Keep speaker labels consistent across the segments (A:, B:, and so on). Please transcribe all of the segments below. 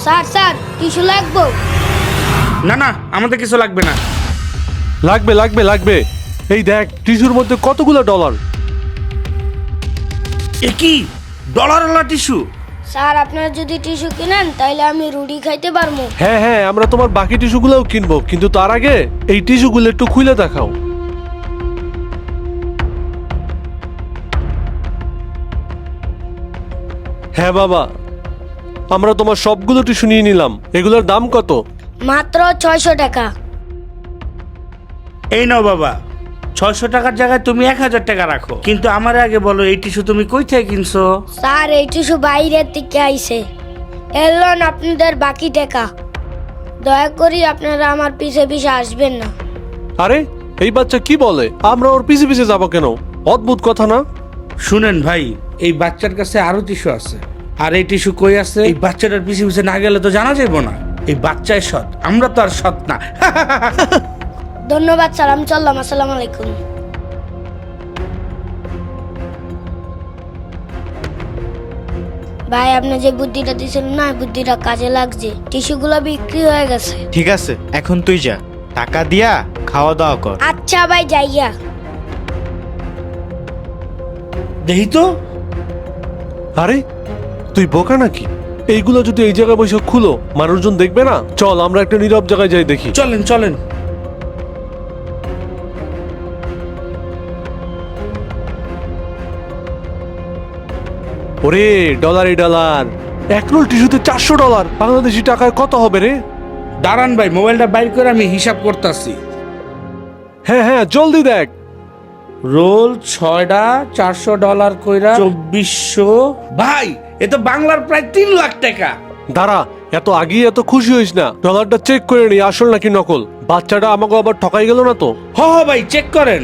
A: Sir sir tissue লাগবো?
B: না না, আমাদের কিছু লাগবে না।
C: লাগবে লাগবে লাগবে। এই দেখ টিস্যুর মধ্যে কতগুলো ডলার।
B: এ কি ডলারওয়ালা টিস্যু?
A: স্যার আপনারা যদি টিস্যু কিনেন তাহলে আমি রুটি খাইতে পারবো।
C: হ্যাঁ হ্যাঁ, আমরা তোমার বাকি টিস্যুগুলোও কিনবো, কিন্তু তার আগে এই টিস্যুগুলো একটু খুলে দেখাও। হ্যাঁ বাবা, আমরা তোমার সবগুলো টিস্যু নিয়ে নিলাম। এগুলোর দাম কত?
A: মাত্র 600 টাকা।
B: এই নাও বাবা, 600 টাকার জায়গায় তুমি 1000 টাকা রাখো। কিন্তু আমার আগে বলো, এই টিস্যু তুমি কই থেকে কিনছো?
A: স্যার এই টিস্যু বাইরের থেকে আইছে। এলন আপনাদের বাকি টাকা। দয়া করি আপনারা আমার পিছে পিছে আসবেন না।
C: আরে এই বাচ্চা কি বলে? আমরা ওর পিছে পিছে যাবো কেন? অদ্ভুত কথা না?
B: শুনেন ভাই, এই বাচ্চার কাছে আরো টিস্যু আছে, আর এই টিস্যু কই আছে এই বাচ্চাটার পিছে পিছে না গেলে তো জানা যাইব না। এই বাচ্চাই সৎ, আমরা তো আর সৎ না।
A: ধন্যবাদ স্যার, আমি চললাম। আসসালামু আলাইকুম। ভাই আপনি যে বুদ্ধিটা দিয়েছিলেন না, বুদ্ধিটা কাজে লাগছে। টিস্যুগুলো বিক্রি হয়ে গেছে।
D: ঠিক আছে, এখন তুই যা, টাকা দিয়া খাওয়া দাওয়া কর।
A: আচ্ছা ভাই যাইয়া।
B: দেখি তো।
C: আরে তুই বোকা নাকি? এইগুলো যদি এই জায়গায় বসে খুলো, মানুষজন দেখবে না? চল আমরা একটা নীরব জায়গায় যাই দেখি।
B: চলেন চলেন।
C: ওরে ডলারে ডলার, এক রোল টিস্যুতে $400। বাংলাদেশি টাকায় কত হবে রে?
B: দাঁড়ান ভাই, মোবাইলটা বাইর করে আমি হিসাব করতেছি।
C: হ্যাঁ হ্যাঁ জলদি দেখ।
B: রোল 6টা $400 কইরা 2400। ভাই এ তো বাংলার প্রায় 3 লাখ টাকা।
C: দাঁড়া, এত আগে এত খুশি হইস না। ডলারটা চেক করে নি আসল নাকি নকল। বাচ্চাটা আমাকে আবার ঠকাই গেল না তো?
B: হ ভাই চেক করেন।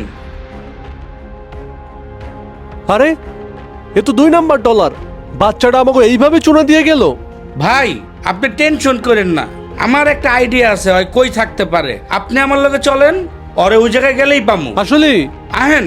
C: আরে এ তো 2 নাম্বার ডলার। বাচ্চাটা আমাকে এইভাবে চুনা দিয়ে গেল।
B: ভাই আপনি টেনশন করেন না, আমার একটা আইডিয়া আছে হয় কই থাকতে পারে। আপনি আমার লগে চলেন, ওরে ওই জায়গায় গেলেই পামু।
C: আসলে
B: আহেন।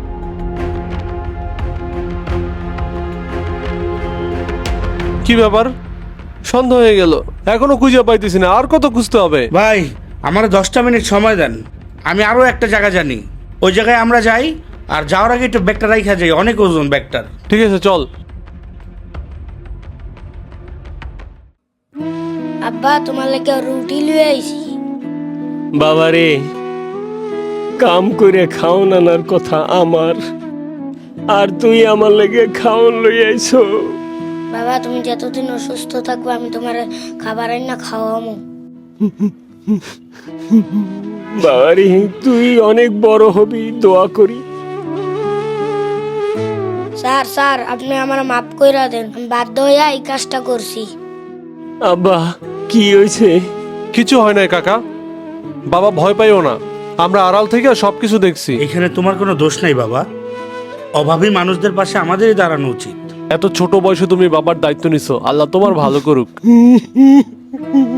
C: কি ব্যাপার? সন্দেহ হয়ে গেল, এখনো খুঁজে পাইতেছি না। আর কত খুঁজতে হবে?
B: ভাই আমার 10টা মিনিট সময় দেন, আমি আরো একটা জায়গা জানি। ওই জায়গায় আমরা যাই, আর যাওয়ার আগে একটু ব্যাগটা রাইখা যাই, অনেক ওজন ব্যাগটার।
C: ঠিক আছে চল।
A: আব্বা তোমার লাগে রুটি লুয়ে আইছি।
E: বাবারে, কাম করে খাওন আনার কথা আমার, আর তুই আমার লেগে খাওন লই আইছো।
A: বাবা তুমি যতদিন অসুস্থ থাকবে আমি তোমার খাবার আইনা খাওয়ামো।
E: বাবারে তুই অনেক বড় হবি, দোয়া করি।
A: স্যার স্যার আপনি আমার মাফ কইরা দেন, আমি বাধ্য হইয়া এই কাজটা করছি।
E: আব্বা কি হয়েছে?
C: কিছু হয় নাই কাকা, বাবা ভয় পাইও না। আমরা আড়াল থেকে সবকিছু দেখছি।
B: এখানে তোমার কোনো দোষ নাই বাবা, অভাবী মানুষদের পাশে আমাদেরই দাঁড়ানো উচিত।
C: এত ছোট বয়সে তুমি বাবার দায়িত্ব নিছো, আল্লাহ তোমার ভালো করুক।